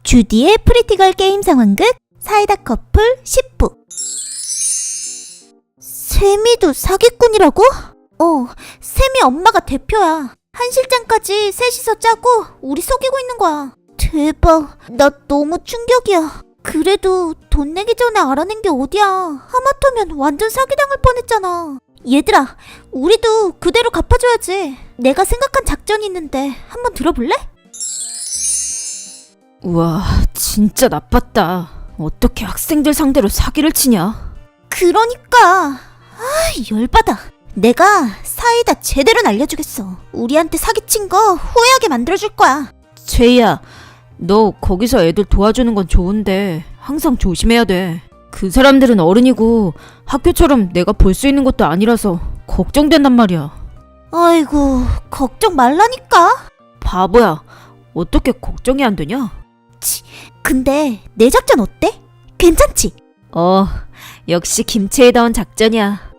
주디의 프리티걸 게임 상황극 사이다 커플 10부. 세미도 사기꾼이라고? 세미 엄마가 대표야. 한 실장까지 셋이서 짜고 우리 속이고 있는 거야. 대박, 나 너무 충격이야. 그래도 돈 내기 전에 알아낸 게 어디야. 하마터면 완전 사기당할 뻔했잖아. 얘들아, 우리도 그대로 갚아줘야지. 내가 생각한 작전이 있는데 한번 들어볼래? 우와, 진짜 나빴다. 어떻게 학생들 상대로 사기를 치냐? 그러니까 열받아. 내가 사이다 제대로 날려주겠어. 우리한테 사기친 거 후회하게 만들어줄 거야. 최희야, 너 거기서 애들 도와주는 건 좋은데 항상 조심해야 돼. 그 사람들은 어른이고 학교처럼 내가 볼 수 있는 것도 아니라서 걱정된단 말이야. 아이고, 걱정 말라니까. 바보야, 어떻게 걱정이 안 되냐? 근데 내 작전 어때? 괜찮지? 역시 김치에다운 작전이야.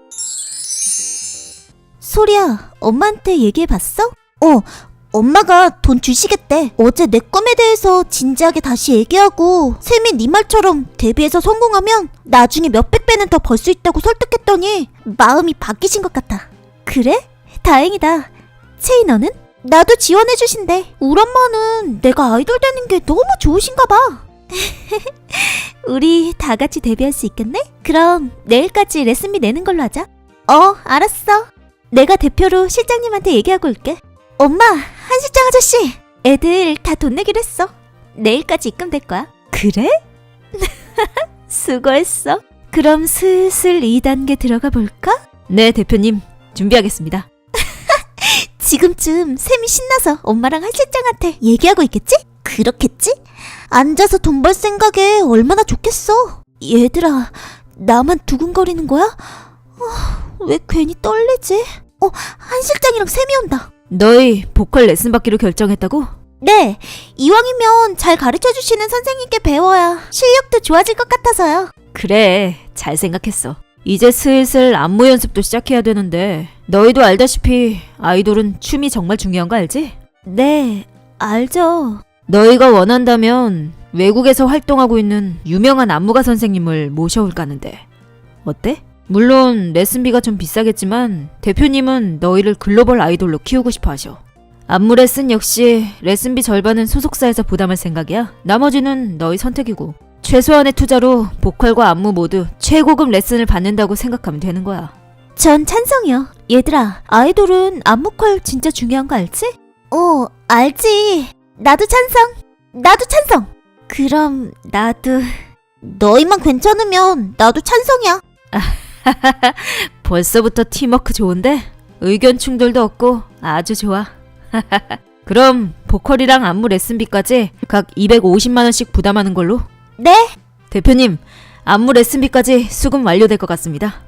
소리야, 엄마한테 얘기해봤어? 엄마가 돈 주시겠대. 어제 내 꿈에 대해서 진지하게 다시 얘기하고 세미 네 말처럼 데뷔해서 성공하면 나중에 몇백 배는 더 벌 수 있다고 설득했더니 마음이 바뀌신 것 같아. 그래? 다행이다. 채희 너는? 나도 지원해주신대. 우리 엄마는 내가 아이돌 되는 게 너무 좋으신가 봐. 우리 다 같이 데뷔할 수 있겠네? 그럼 내일까지 레슨비 내는 걸로 하자. 알았어. 내가 대표로 실장님한테 얘기하고 올게. 엄마, 한 실장 아저씨, 애들 다 돈 내기로 했어. 내일까지 입금될 거야. 그래? 수고했어. 그럼 슬슬 2단계 들어가 볼까? 네, 대표님, 준비하겠습니다. 지금쯤 샘이 신나서 엄마랑 한 실장한테 얘기하고 있겠지? 그렇겠지? 앉아서 돈 벌 생각에 얼마나 좋겠어. 얘들아, 나만 두근거리는 거야? 왜 괜히 떨리지? 한 실장이랑 샘이 온다. 너희 보컬 레슨 받기로 결정했다고? 네, 이왕이면 잘 가르쳐주시는 선생님께 배워야 실력도 좋아질 것 같아서요. 그래, 잘 생각했어. 이제 슬슬 안무 연습도 시작해야 되는데 너희도 알다시피 아이돌은 춤이 정말 중요한 거 알지? 네, 알죠. 너희가 원한다면 외국에서 활동하고 있는 유명한 안무가 선생님을 모셔올까 하는데 어때? 물론 레슨비가 좀 비싸겠지만 대표님은 너희를 글로벌 아이돌로 키우고 싶어 하셔. 안무 레슨 역시 레슨비 절반은 소속사에서 부담할 생각이야. 나머지는 너희 선택이고 최소한의 투자로 보컬과 안무 모두 최고급 레슨을 받는다고 생각하면 되는 거야. 전 찬성이요. 얘들아, 아이돌은 안무컬 진짜 중요한 거 알지? 알지. 나도 찬성. 나도 찬성. 그럼 나도. 너희만 괜찮으면 나도 찬성이야. 벌써부터 팀워크 좋은데? 의견 충돌도 없고 아주 좋아. 그럼 보컬이랑 안무 레슨비까지 각 250만원씩 부담하는 걸로? 네? 대표님, 안무 레슨비까지 수금 완료될 것 같습니다.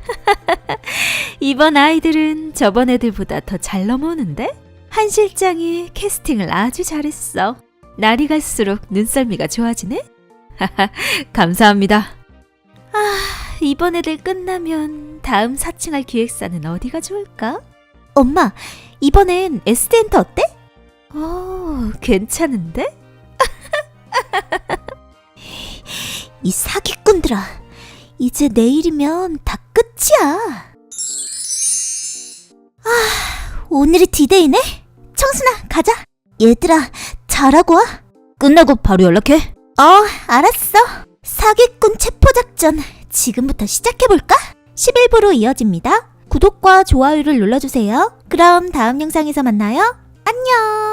이번 아이들은 저번 애들보다 더 잘 넘어오는데? 한 실장이 캐스팅을 아주 잘했어. 날이 갈수록 눈썰미가 좋아지네? 감사합니다. 이번 애들 끝나면 다음 사칭할 기획사는 어디가 좋을까? 엄마, 이번엔 SD엔터 어때? 괜찮은데? 이 사기꾼들아, 이제 내일이면 다 끝이야. 오늘이 디데이네? 청순아, 가자. 얘들아, 잘하고 와. 끝나고 바로 연락해. 알았어. 사기꾼 체포작전 지금부터 시작해볼까? 11부로 이어집니다. 구독과 좋아요를 눌러주세요. 그럼 다음 영상에서 만나요. 안녕.